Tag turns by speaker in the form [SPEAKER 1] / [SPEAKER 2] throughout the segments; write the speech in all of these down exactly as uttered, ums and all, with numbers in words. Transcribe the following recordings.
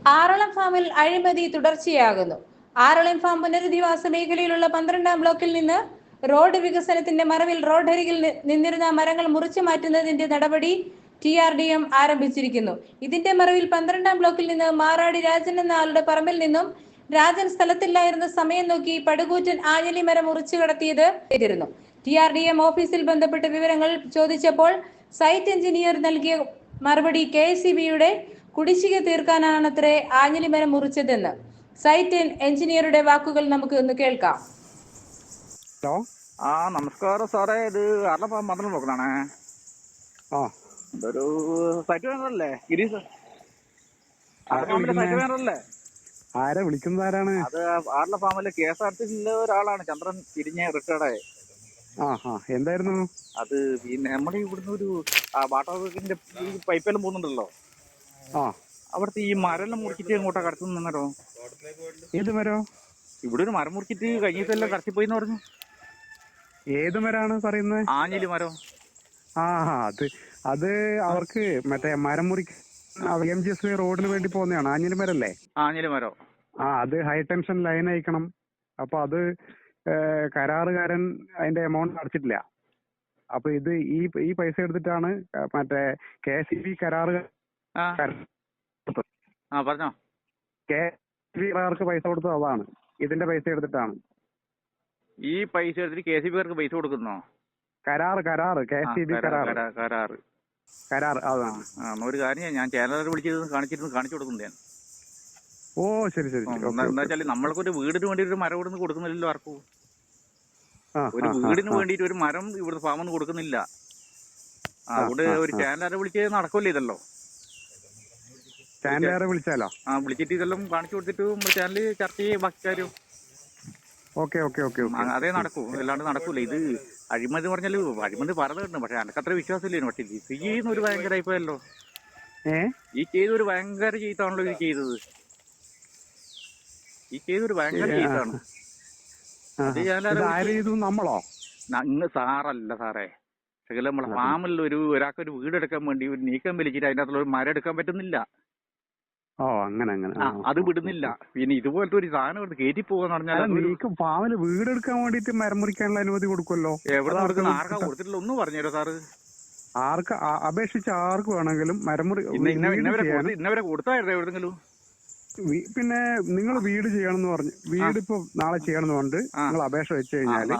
[SPEAKER 1] ആറളം ഫാമിൽ അഴിമതി തുടർച്ചയാകുന്നു. ആറളം ഫാം പുനരധിവാസ മേഖലയിലുള്ള പന്ത്രണ്ടാം ബ്ലോക്കിൽ നിന്ന് റോഡ് വികസനത്തിന്റെ മറവിൽ റോഡരികിൽ നിന്നിരുന്ന മരങ്ങൾ മുറിച്ചു മാറ്റുന്നതിന്റെ നടപടി ടി ആർ ഡി എം ആരംഭിച്ചിരിക്കുന്നു. ഇതിന്റെ മറവിൽ പന്ത്രണ്ടാം ബ്ലോക്കിൽ നിന്ന് മാറാടി രാജൻ എന്ന ആളുടെ പറമ്പിൽ നിന്നും രാജൻ സ്ഥലത്തില്ലായിരുന്ന സമയം നോക്കി പടുകൂറ്റൻ ആഞ്ഞലി മരം മുറിച്ചു കടത്തിയത് ചെയ്തിരുന്നു. ടി ആർ ഡി എം ഓഫീസിൽ ബന്ധപ്പെട്ട വിവരങ്ങൾ ചോദിച്ചപ്പോൾ സൈറ്റ് എഞ്ചിനീയർ നൽകിയ മറുപടി കെ എസ് ഇ ബിയുടെ കുടിശ്ശിക തീർക്കാനാണത്രേ ആഞ്ഞലി മരം മുറിച്ചതെന്ന്. സൈറ്റ് എഞ്ചിനീയറുടെ വാക്കുകൾ നമുക്ക് ഒന്ന് കേൾക്കാം.
[SPEAKER 2] ഹലോ, ആ നമസ്കാരം സാറേ, ഇത് ആറളം പന്ത്രണ്ട് ബ്ലോക്കിലാണേ. ആ ഇതൊരു സൈറ്റ് വേണ്ടല്ലേ ഗിരീഷ്? സൈറ്റ് വേണ്ടല്ലേ? ആരാ വിളിക്കുന്നത്? ആരാണ് അത്? ആറളം ഫാമിലെ കെ എസ് ആർ ടി സിയിലെ ഒരാളാണ്, ചന്ദ്രൻ തിരിഞ്ഞ റിട്ടയർഡായ. ആ ആ എന്തായിരുന്നു അത്? പിന്നെ നമ്മുടെ ഇവിടുന്ന് ഒരു വാട്ടർ വർക്കിന്റെ പൈപ്പെല്ലാം പോകുന്നുണ്ടല്ലോ, ആ അവിടുത്തെ ഈ മരം മുറിച്ചിട്ട് എങ്ങോട്ടാ കടത്തുന്ന മരോ? ഏത് മരോ? ഇവിടെ ഒരു മരം മുറിച്ചിട്ട് കഴിഞ്ഞ ദിവസം കടത്തിപ്പോയിന്ന് പറഞ്ഞു. ഏത് മരാണ് പറയുന്നത്? ആഞ്ഞിലി മരോ? ആ അത് അത് അവർക്ക് മറ്റേ മരം മുറി എം ജി എസ് റോഡിന് വേണ്ടി പോകുന്നതാണ്. ആഞ്ഞിലി മരല്ലേ? ആഞ്ഞിലി മരോ? ആ അത് ഹൈ ടെൻഷൻ ലൈൻ അയക്കണം. അപ്പൊ അത് കരാറുകാരൻ അതിന്റെ എമൗണ്ട് അടച്ചിട്ടില്ല. അപ്പൊ ഇത് ഈ ഈ പൈസ എടുത്തിട്ടാണ് മറ്റേ കെ എസ് ഇ ബി കരാറ് പറഞ്ഞോ കെ എസ് ബി കാർക്ക് പൈസ കൊടുത്തത് അതാണ്. ഇതിന്റെ പൈസ എടുത്തിട്ടാണ് ഈ പൈസ എടുത്തിട്ട് കെ സി ബി കാർക്ക് പൈസ കൊടുക്കുന്നോ? കരാറ് കരാറ് കെ എസ് ഇ ബി കരാറ് കരാറ് കരാറ് അതാണ്. ഒരു കാര്യം ഞാൻ ചാനലിൽ വിളിച്ചത് കാണിച്ചിരുന്നു, കാണിച്ചു കൊടുക്കുന്നു ഞാൻ. ഓ ശരി ശരി. എന്താ വെച്ചാൽ നമ്മൾക്കൊരു വീടിന് വേണ്ടി ഒരു മരം ഇവിടുന്ന് കൊടുക്കുന്നില്ലല്ലോ ആർക്കും. ഒരു വീടിന് വേണ്ടിട്ട് ഒരു മരം ഇവിടുത്തെ ഫാമൊന്നും കൊടുക്കുന്നില്ല. അവിടെ ഒരു ചാനലാരെ വിളിച്ച് നടക്കില്ല ഇതല്ലോ. ചാനലാരെ വിളിച്ചാലോ? ആ വിളിച്ചിട്ട് ഇതെല്ലാം കാണിച്ചു കൊടുത്തിട്ട് നമ്മുടെ ചാനലിൽ ചർച്ച ചെയ്യും ബാക്കി കാര്യം. ഓക്കെ ഓക്കെ ഓക്കെ അതേ നടക്കൂ, അല്ലാണ്ട് നടക്കൂല. ഇത് അഴിമതി പറഞ്ഞാല് അഴിമതി പറഞ്ഞിട്ടുണ്ട്, പക്ഷെ എനിക്കത്ര വിശ്വാസമില്ലേനു. പക്ഷെ ഇത് ചെയ്യുന്ന ഒരു ഭയങ്കര ആയിപ്പോയല്ലോ. ഏഹ് ഈ ചെയ്തൊരു ഭയങ്കര ചെയ്താണല്ലോ ഇത് ചെയ്തത്. ഈ ചെയ്തൊരു ഭയങ്കര ചെയ്താണ്. നമ്മളോ? ഇന്ന് സാറല്ല സാറേ, പക്ഷെ നമ്മളെ ഫാമിൽ ഒരു ഒരാൾക്ക് ഒരു വീടെടുക്കാൻ വേണ്ടി ഒരു നീക്കം വലിച്ചിട്ട് അതിന്റെ അകത്തുള്ള ഒരു മരം എടുക്കാൻ പറ്റുന്നില്ല. ഓ അങ്ങനെ അങ്ങനെ അത് വിടുന്നില്ല. പിന്നെ ഇതുപോലത്തെ ഒരു സാധനം എടുത്ത് കയറ്റി പോകാന്ന് പറഞ്ഞാൽ ഫാമില് വീടെടുക്കാൻ വേണ്ടിട്ട് മരം മുറിക്കാനുള്ള അനുമതി കൊടുക്കുമല്ലോ. എവിടെ കൊടുക്കുന്ന? ആർക്കാ കൊടുത്തിട്ടില്ല? ഒന്നും പറഞ്ഞുതരോ സാറ്? ആർക്ക് അപേക്ഷിച്ച് ആർക്ക് വേണമെങ്കിലും മരം മുറി ഇന്നവരെ കൊടുത്തായിരുന്നു എവിടെങ്കിലും. പിന്നെ നിങ്ങൾ വീട് ചെയ്യണമെന്ന് പറഞ്ഞു, വീട് ഇപ്പൊ നാളെ ചെയ്യണമെന്ന് പറഞ്ഞിട്ട് നിങ്ങൾ അപേക്ഷ വെച്ച് കഴിഞ്ഞാല്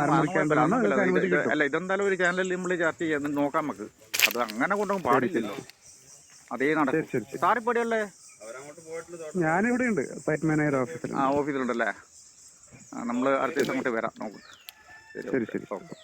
[SPEAKER 2] അല്ല ഇതെന്തായാലും ഒരു ചാനലിൽ നമ്മൾ ചർച്ച ചെയ്യാൻ നോക്കാം നമുക്ക്. അത് അങ്ങനെ കൊണ്ടൊന്നും പാടില്ലല്ലോ. അതേ നടക്കും. സാറിപ്പടിയല്ലേ? ഞാനിവിടെ ഉണ്ട്, സൈറ്റ് മാനേജർ ഓഫീസിൽ. ആ ഓഫീസിലുണ്ടല്ലേ? ആ നമ്മള് അടുത്ത ദിവസം അങ്ങോട്ട് വരാം. നോക്കും. ശരി ശരി.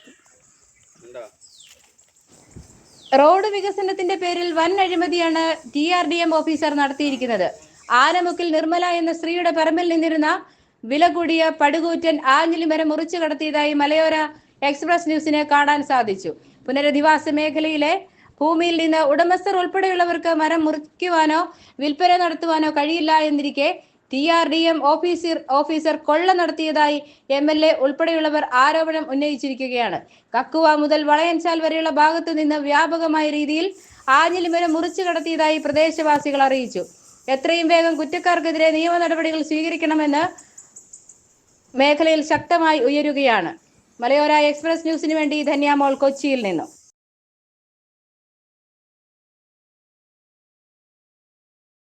[SPEAKER 1] റോഡ് വികസനത്തിന്റെ പേരിൽ വൻ അഴിമതിയാണ് T R D M officer നടത്തിയിരിക്കുന്നത്. ആനമുക്കിൽ നിർമ്മല എന്ന സ്ത്രീയുടെ പറമ്പിൽ നിന്നിരുന്ന വില കൂടിയ പടുകൂറ്റൻ ആഞ്ഞിലി മരം മുറിച്ചു കടത്തിയതായി മലയോര എക്സ്പ്രസ് ന്യൂസിന് കാണാൻ സാധിച്ചു. പുനരധിവാസ മേഖലയിലെ ഭൂമിയിൽ നിന്ന് ഉടമസ്ഥർ ഉൾപ്പെടെയുള്ളവർക്ക് മരം മുറിക്കുവാനോ വിൽപ്പന നടത്തുവാനോ കഴിയില്ല എന്നിരിക്കെ T R D M officer officer കൊള്ള നടത്തിയതായി എം എൽ എ ഉൾപ്പെടെയുള്ളവർ ആരോപണം ഉന്നയിച്ചിരിക്കുകയാണ്. കക്കുവ മുതൽ വളയൻചാൽ വരെയുള്ള ഭാഗത്തു നിന്ന് വ്യാപകമായ രീതിയിൽ ആഞ്ഞിലി മരം മുറിച്ചു കടത്തിയതായി പ്രദേശവാസികൾ അറിയിച്ചു. എത്രയും വേഗം കുറ്റക്കാർക്കെതിരെ നിയമ നടപടികൾ സ്വീകരിക്കണമെന്ന് മേഖലയിൽ ശക്തമായി ഉയരുകയാണ്. മലയോര എക്സ്പ്രസ് ന്യൂസിന് വേണ്ടി ധന്യാമോൾ, കൊച്ചിയിൽ നിന്നും.